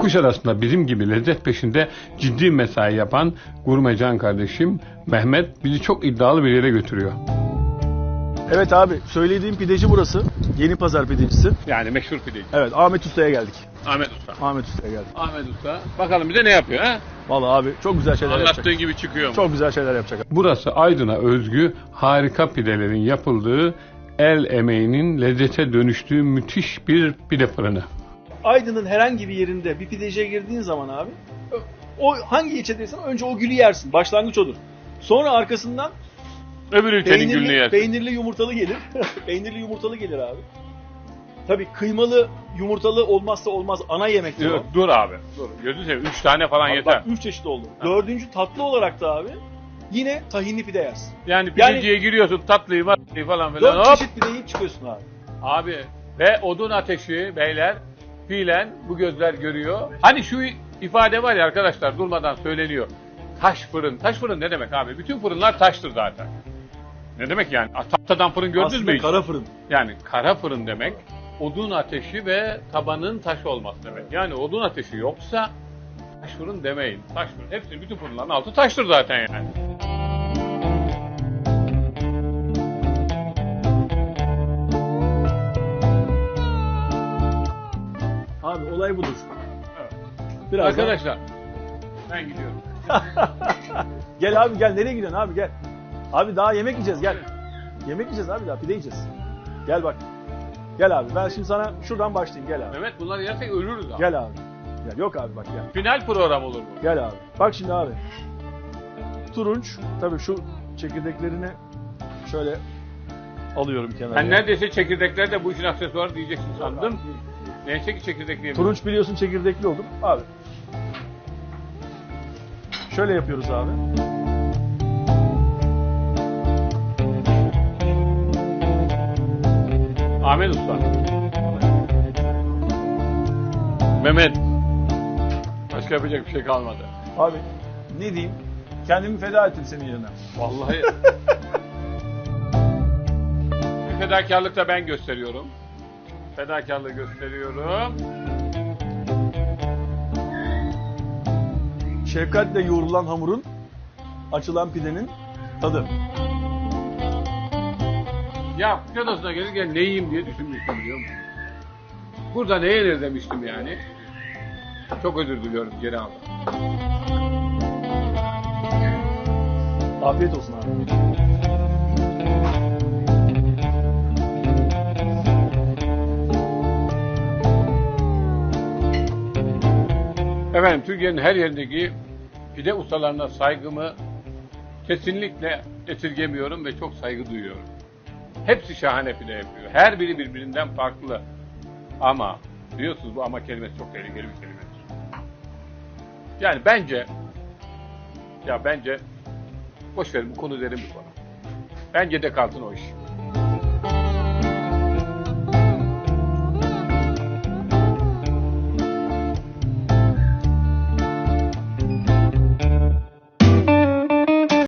Kuşadası'nda bizim gibi lezzet peşinde ciddi mesai yapan gurmecan kardeşim Mehmet bizi çok iddialı bir yere götürüyor. Evet abi, söylediğim pideci burası. Yeni Pazar pidecisi. Yani meşhur pideci. Evet, Ahmet Usta'ya geldik. Ahmet Usta. Ahmet Usta'ya geldik. Ahmet Usta. Bakalım bize ne yapıyor ha? Vallahi abi çok güzel şeyler Anlattığın yapacak. gibi çıkıyor mu? Çok güzel şeyler yapacak. Burası Aydın'a özgü harika pidelerin yapıldığı, el emeğinin lezzete dönüştüğü müthiş bir pide fırını. Aydın'ın herhangi bir yerinde bir pideciye girdiğin zaman abi, o hangi ilçedeysen önce o gülü yersin. Başlangıç odur. Sonra arkasından Öbür ülkenin gülünü yersin. peynirli yumurtalı gelir. Peynirli yumurtalı gelir abi. Tabii kıymalı yumurtalı olmazsa olmaz ana yemektir o. Dur abi. Dur. Gözünü seveyim. 3 tane falan Abi yeter. bak 3 çeşit oldu. Dördüncü tatlı olarak da abi yine tahinli pide yersin. Yani pideciye giriyorsun tatlıyı falan filan. 4 Hop. çeşit pide yiyip çıkıyorsun abi. Abi ve odun ateşi beyler fiilen bu gözler görüyor. Hani şu ifade var ya arkadaşlar durmadan söyleniyor. Taş fırın. Taş fırın ne demek abi? Bütün fırınlar taştır zaten. Ne demek yani? Tahtadan fırın gördünüz Aslında mü hiç? kara fırın. Yani kara fırın demek odun ateşi ve tabanın taş olması demek. Yani odun ateşi yoksa taş fırın demeyin. Taş fırın. Hepsi bütün fırınların altı taştır zaten yani. Abi olay budur. Evet. Birazdan... Arkadaşlar ben gidiyorum. Gel abi gel, nereye gidiyorsun abi, gel. Abi daha yemek yiyeceğiz, gel. Yemek yiyeceğiz abi, daha pide yiyeceğiz. Gel bak. Gel abi, ben şimdi sana şuradan başlayayım, gel abi. Mehmet bunları yersek ölürüz abi. Gel abi. Gel. Yok abi bak gel. Final program olur bu. Gel abi. Bak şimdi abi. Turunç. Tabii şu çekirdeklerini şöyle alıyorum kenara. Ben neredeyse çekirdekler de bu işin aksesuarı diyeceksin sandım. Neyse ki çekirdekli yemiyorum. Turunç biliyorsun çekirdekli oldum. Abi. Şöyle yapıyoruz abi. Ahmet Usta. Mehmet. Başka yapacak bir şey kalmadı. Abi ne diyeyim? Kendimi feda ettim senin yerine. Vallahi. Bir fedakarlık da ben gösteriyorum. Fedakarlığı gösteriyorum. Şefkatle yoğrulan hamurun, açılan pidenin tadı. Ya Kuşadası'na gelirken ne yiyeyim diye düşünmüştüm biliyor musun? Burada ne yenir demiştim yani. Çok özür diliyorum, geri aldım. Afiyet olsun abi. Efendim Türkiye'nin her yerindeki pide ustalarına saygımı kesinlikle esirgemiyorum ve çok saygı duyuyorum. Hepsi şahane pide yapıyor. Her biri birbirinden farklı. Ama biliyorsunuz bu ama kelimesi çok tehlikeli bir kelimedir. Yani bence boş verin bu konu derin bir konu. Bence de kalsın o iş.